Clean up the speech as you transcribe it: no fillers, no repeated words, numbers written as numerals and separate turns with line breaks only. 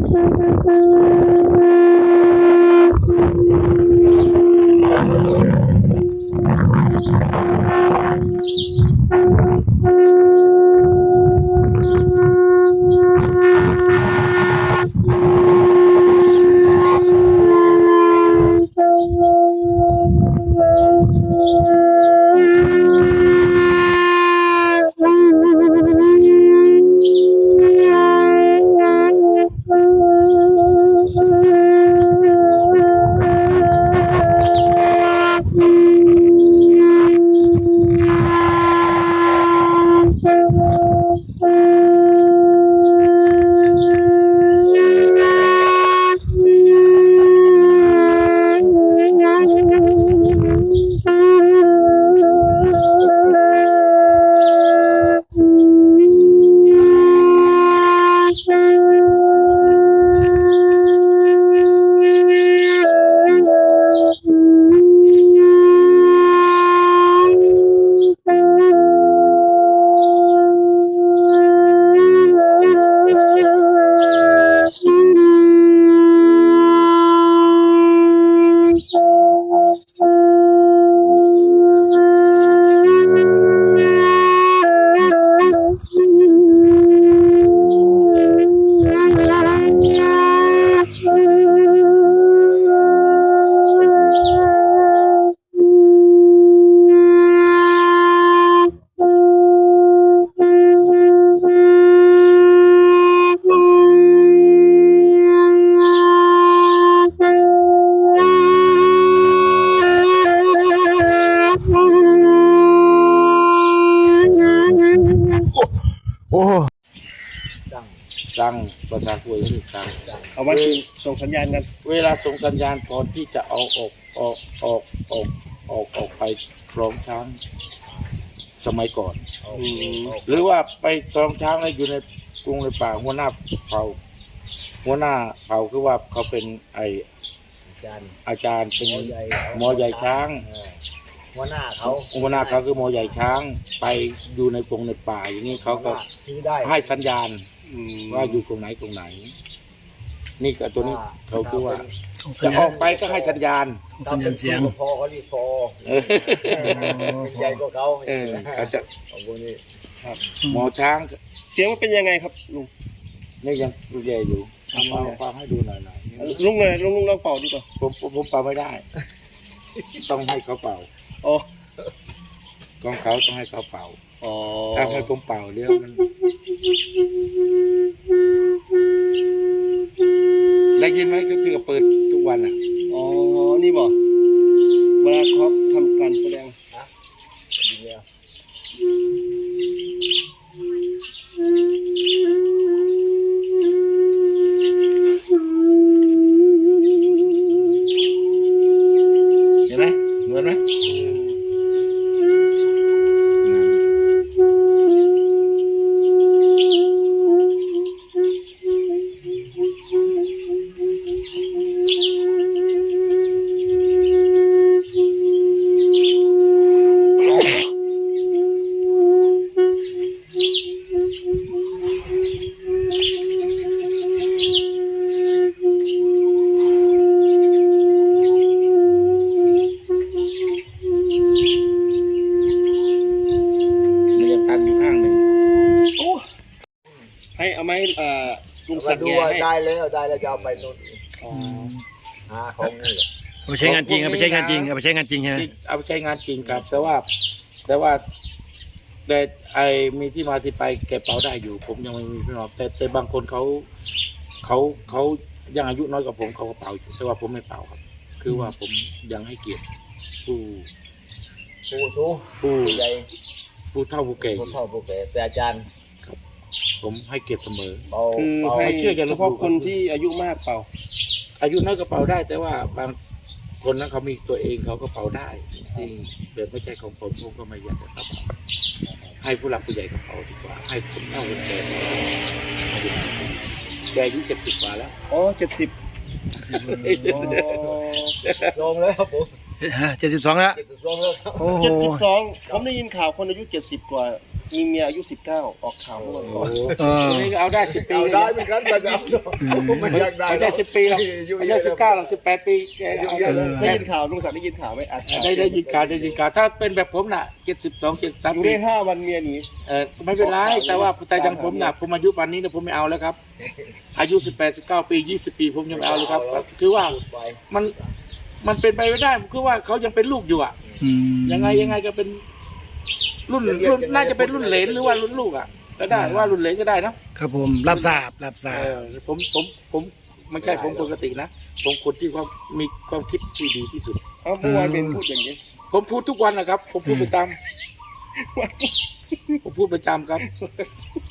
โอ้
สั่งภาษาคุยคือสั่ง
เอาไว้ส่งสัญญาณกัน
เวลาส่งสัญญาณก่อนที่จะเอาออกไปคลองช้างสมัยก่อนหรือว่าไปคลองช้างอะไรอยู่ในกรุงในป่าหัวหน้าเผ่าคือว่าเขาเป็นอาจารย์เป็นหมอใหญ่ช้าง
หัวหน้าเขา
คือหมอใหญ่ช้างไปอยู่ในกรุงในป่าอย่างนี้เขาก็ให้สัญญาณว่าอยู่ตรงไหนนี่ก็ตัวนี้เขาคือว่าจะออกไปก็ให้สัญญาณ
เสียงพอเขารีบพอใหญ่กว่าเขา
เขาจะหมอช้าง
เสียงมันเป็นยังไงครับลุง
นี่ยังดูใหญ่อยู่ฟังให้ดูหน่อย
ลุงเลยลุงลองเป่าดีกว่า
ผมเป่าไม่ได้ต้องให้เขาเป่า
อ๋อ
ของเขาต้องให้เขาเป่า
อ๋อ
ถ้าให้ผมเป่าเดี๋ยวมันได้ยินไหมก็คือเปิดทุกวันอ่ะ
อ๋อนี่บอกเวลาเขาทำการแสดง
ดีแล้ว
เห็นไหมเหมือนไหม
ให้เอาไม้ลุงสักแกให้
ได้แล้วจะเอาไปนู่นหาของนี่
เอาไปใช้งานจริงเอาไปใช้งานจริงเอาไปใช้งานจริงใช่ไหม
เอาไปใช้งานจริงครับแต่ไอมีที่มาที่ไปเก็บเป๋าได้อยู่ผมยังไม่มีพี่น้องแต่บางคนเขายังอายุน้อยกว่าผมเขาก็เป่าอยู่แต่ว่าผมไม่เป่าครับคือว่าผมยังให้เกียรติผู้
ใหญ่
ผู้เฒ่าผู้แก่
แต่อาจารย์
ผมให้เกียรติเสมอ
คือให้เชื่อเฉพาะคนที่อายุมากเป่า
อายุน้อยก็เป่าได้แต่ว่าบางคนนั้นเขามีตัวเองเขาก็เป่าได้จริงแต่ไม่ใช่ของผมก็ไม่อยากจะเป่าให้ผู้หลักผู้ใหญ่เขาเป่าดีกว่าให้คนเฒ่าคนแก่แกอายุ70 กว่าแล้ว
อ๋อ70
ลงแล้วผม
72แล้ว
72แล้ว
โอ้โห
72ผมได้ยินข่าวคนอายุ70 กว่ามีเมียอายุ19ออกข่าวเมื่อวันก่อน
เออ
นี่เอาได้10 ปี
เอาได้เหมือนกันแต่เอามันอยากได้
ไม่ใช่10 ปีหรอกไม่ใช่19หรอก18 ปีแกเอาได้
ได้ยินข่าวลุงศักดิ์ได้ยินข่าวไหมอ่ะ
ได้ยินข่าวถ้าเป็นแบบผมน่ะ72 73
อยู่
ปี
ได้5 วันเมียหนี
ไม่เป็นไรแต่ว่าแต่อย่างผมน่ะผมอายุป่านนี้เนี่ยผมไม่เอาแล้วครับ อายุ18 19 ปี 20 ปีผมยังไม่เอาเลยครับ คือว่ามันเป็นไปไม่ได้คือว่าเขายังเป็นลูกอยู่อ่ะ
อืม
ยังไงก็เป็นรุ่นน่าจะเป็นรุ่นเหลนหรือว่ารุ่นลูกอ่ะก็ได้ว่ารุ่นเหลนก็ได้นะครับ
ผมรับทราบ
ผมไม่ใช่ผมปกตินะผมคนที่เขามีความคิดที่ดีที่สุด
เอาเมื่อวานเป็นพูดอย่างนี้
ผมพูดทุกวันนะครับ ผมพูดประจำผมพูดประจำครับ